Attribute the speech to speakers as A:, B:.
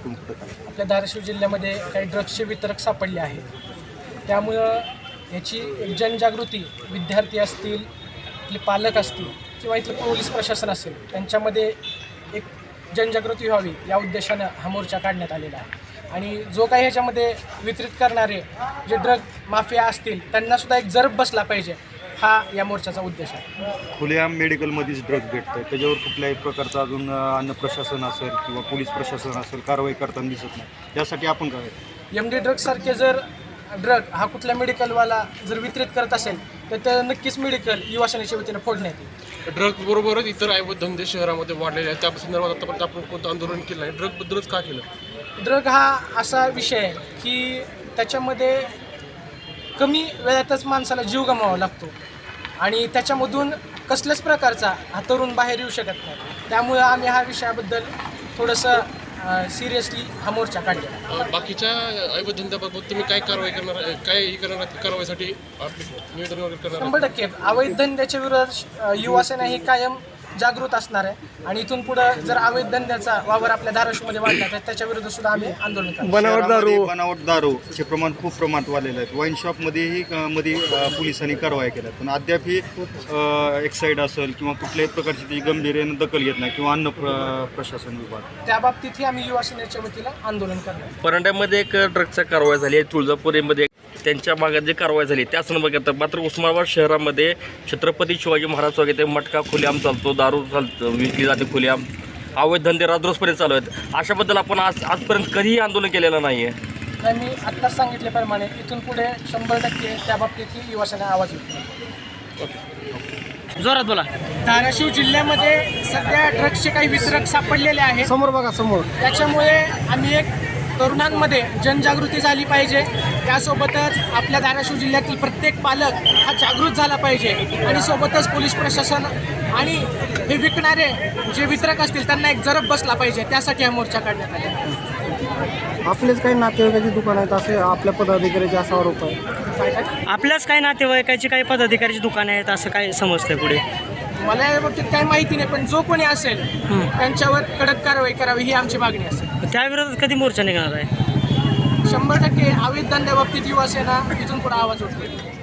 A: तुम्ही कुठं काय?
B: आपल्या धाराशिव जिल्ह्यामध्ये काही ड्रग्सचे वितरक सापडले आहेत. त्यामुळं याची एक जनजागृती विद्यार्थी असतील, आपले पालक असतील किंवा इथलं पोलीस प्रशासन असेल त्यांच्यामध्ये एक जनजागृती व्हावी या उद्देशानं हा मोर्चा काढण्यात आलेला आहे. आणि जो काही ह्याच्यामध्ये वितरित करणारे जे ड्रग माफिया असतील त्यांनासुद्धा एक जरब बसला पाहिजे, हा या मोर्चाचा उद्देश आहे.
A: खुल्या मेडिकलमध्येच ड्रग भेटतं, त्याच्यावर कुठल्याही प्रकारचं अजून अन्न प्रशासन असेल किंवा पोलीस प्रशासन असेल कारवाई करताना दिसत नाही. त्यासाठी आपण काय
B: MD ड्रग्ससारखे जर ड्रग हा कुठल्या मेडिकलवाला जर वितरित करत असेल तर ते नक्कीच मेडिकल युवा सेनेच्या वतीनं फोडण्यात येईल.
C: ड्रग बरोबरच इतर अवैध धंदे शहरामध्ये वाढलेले आहेत. त्या संदर्भात आतापर्यंत आपण कोणतं आंदोलन केलं आहे? ड्रगबद्दलच का केलं?
B: ड्रग हा असा विषय आहे की त्याच्यामध्ये कमी वेळातच माणसाला जीव गमवावा लागतो आणि त्याच्यामधून कसल्याच प्रकारचा हा तरुण बाहेर येऊ शकत नाही. त्यामुळं आम्ही हा विषयाबद्दल थोडंसं सिरियसली हा मोर्चा काढलेला.
C: बाकीच्या अवैध धंद्याबाबत तुम्ही काय कारवाई करणार, काय करणार कारवाईसाठी निवेदन वगैरे करणार?
B: 100% अवैध धंद्याच्या विरोधात युवा सेना ही कायम जागृत असणार आहे आणि इथून पुढं जर अवैध धंद्याचा वावर आपल्या धाराशिवमध्ये वाढला तर त्याच्या विरुद्ध सुद्धा आम्ही आंदोलन करणार.
A: बनावट दारूचे प्रमाण खूप प्रमाणात वाढलेलं आहे. वाईन शॉपमध्येही मध्ये पोलिसांनी कारवाई केल्या, पण अद्यापही एक्साईड असेल किंवा कुठल्याही प्रकारची ती गंभीर दखल घेत नाही किंवा अन्न प्रशासन विभाग
B: त्या बाबतीतही आम्ही युवा सेनेच्या वतीला आंदोलन करणार.
D: परंड्यामध्ये एक ड्रगचा कारवाई झाली आहे, तुळजापुरीमध्ये त्यांच्या भागात जी कारवाई झाली त्या संदर्भात. मात्र उस्मानाबाद शहरामध्ये छत्रपती शिवाजी महाराज वगैरे मटका खुलेआम चालतो, दारू चालतो, विकली जाते खुलेआम, अवैध धंदे राजरोसपर्यंत चालू आहेत. अशाबद्दल आपण आजपर्यंत कधीही आंदोलन केलेलं नाही आहे.
B: मी आत्ताच सांगितल्याप्रमाणे इथून पुढे 100% त्या बाबतीतही युवा सेना आवाज उठवेल.
D: जोरात बोला.
B: धाराशिव जिल्ह्यामध्ये सध्या ड्रग्सचे काही वितरक सापडलेले आहेत.
E: समोर बघा समोर.
B: त्याच्यामुळे आम्ही एक तरुणांमध्ये जनजागृती झाली पाहिजे. त्यासोबतच आपल्या धाराशिव जिल्ह्यातील प्रत्येक पालक हा जागृत झाला पाहिजे आणि सोबतच पोलीस प्रशासन आणि हे विकणारे जे वितरक असतील त्यांना एक जरब बसला पाहिजे. त्यासाठी हा मोर्चा काढण्यात आला.
E: आपलेच काही नातेवाईकाची दुकान आहेत असे आपल्या पदाधिकाऱ्याचे असा आरोप आहे.
F: आपल्याच काही नातेवाईकाची काही पदाधिकाऱ्याची दुकान आहेत असं काय समजतंय पुढे?
B: मला या बाबतीत काही माहिती नाही, पण जो कोणी असेल त्यांच्यावर कडक कारवाई करावी ही आमची मागणी असेल.
F: त्या विरोधात कधी मोर्चा निघणार आहे?
B: 100% अवैध धंद्याबाबतीत युवा सेना इथून पुढे आवाज उठवेल.